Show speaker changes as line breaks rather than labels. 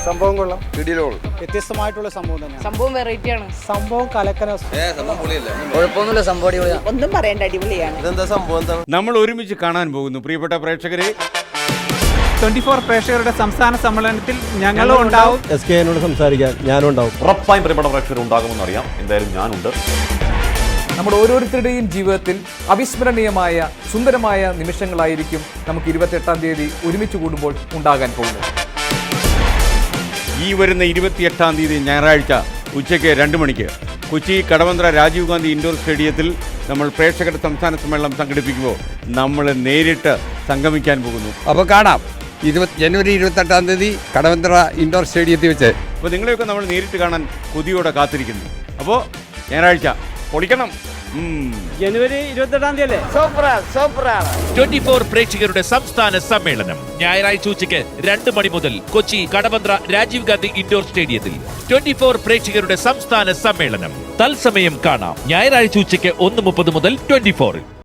സംഭവം കൊള്ളാം,
വ്യത്യസ്തമായിട്ടുള്ള സംഭവം തന്നെയാണ്.
സംഭവം വെറൈറ്റി ആണ്.
സംഭവം കലക്കന.
കുഴപ്പമൊന്നുമില്ല, സംഭവം അടിപൊളിയാണ്.
ഒന്നും പറയണ്ട, അടിപൊളിയാണ്.
ഇതെന്താ സംഭവം എന്താണ്?
നമ്മൾ ഒരുമിച്ച് കാണാൻ പോകുന്നു പ്രിയപ്പെട്ട പ്രേക്ഷകരെ.
24 പ്രേക്ഷകരുടെ സംസ്ഥാന സമ്മേളനത്തിൽ ഞങ്ങളും ഉണ്ടാവും.
SKനോട് സംസാരിക്കാൻ ഞാനും ഉണ്ടാവും.
ഉറപ്പായും പ്രിയപ്പെട്ട പ്രേക്ഷകർ ഉണ്ടാകുമെന്നറിയാം. എന്തായാലും ഞാനുണ്ട്.
നമ്മുടെ ഓരോരുത്തരുടെയും ജീവിതത്തിൽ അവിസ്മരണീയമായ സുന്ദരമായ നിമിഷങ്ങളായിരിക്കും നമുക്ക് 28-ാം തീയതി ഒരുമിച്ച് കൂടുമ്പോൾ ഉണ്ടാകാൻ പോകുന്നത്.
ഈ വരുന്ന 28-ാം തീയതി ഞായറാഴ്ച ഉച്ചയ്ക്ക് 2 മണിക്ക് കൊച്ചി കടവന്ത്ര രാജീവ് ഗാന്ധി ഇൻഡോർ സ്റ്റേഡിയത്തിൽ നമ്മൾ പ്രേക്ഷകരുടെ സംസ്ഥാന സമ്മേളനം സംഘടിപ്പിക്കുമ്പോൾ നമ്മൾ നേരിട്ട് സംഗമിക്കാൻ പോകുന്നു.
അപ്പോൾ കാണാം ജനുവരി 28-ാം തീയതി കടവന്ത്ര ഇൻഡോർ സ്റ്റേഡിയത്തിൽ വെച്ച്.
അപ്പോൾ നിങ്ങളെയൊക്കെ നമ്മൾ നേരിട്ട് കാണാൻ കൊതിയോടെ കാത്തിരിക്കുന്നു. അപ്പോൾ ഞായറാഴ്ച പൊളിക്കണം.
ജനുവരി 28-ാം തീയതി അല്ലേ?
24 പ്രേക്ഷകരുടെ സംസ്ഥാന സമ്മേളനം ഞായറാഴ്ച ഉച്ചയ്ക്ക് 2 മണി മുതൽ കൊച്ചി കടവന്ത്ര രാജീവ് ഗാന്ധി ഇൻഡോർ സ്റ്റേഡിയത്തിൽ 24 പ്രേക്ഷകരുടെ സംസ്ഥാന സമ്മേളനം തത്സമയം കാണാം. ഞായറാഴ്ച ഉച്ചയ്ക്ക് 1:30 മുതൽ 24.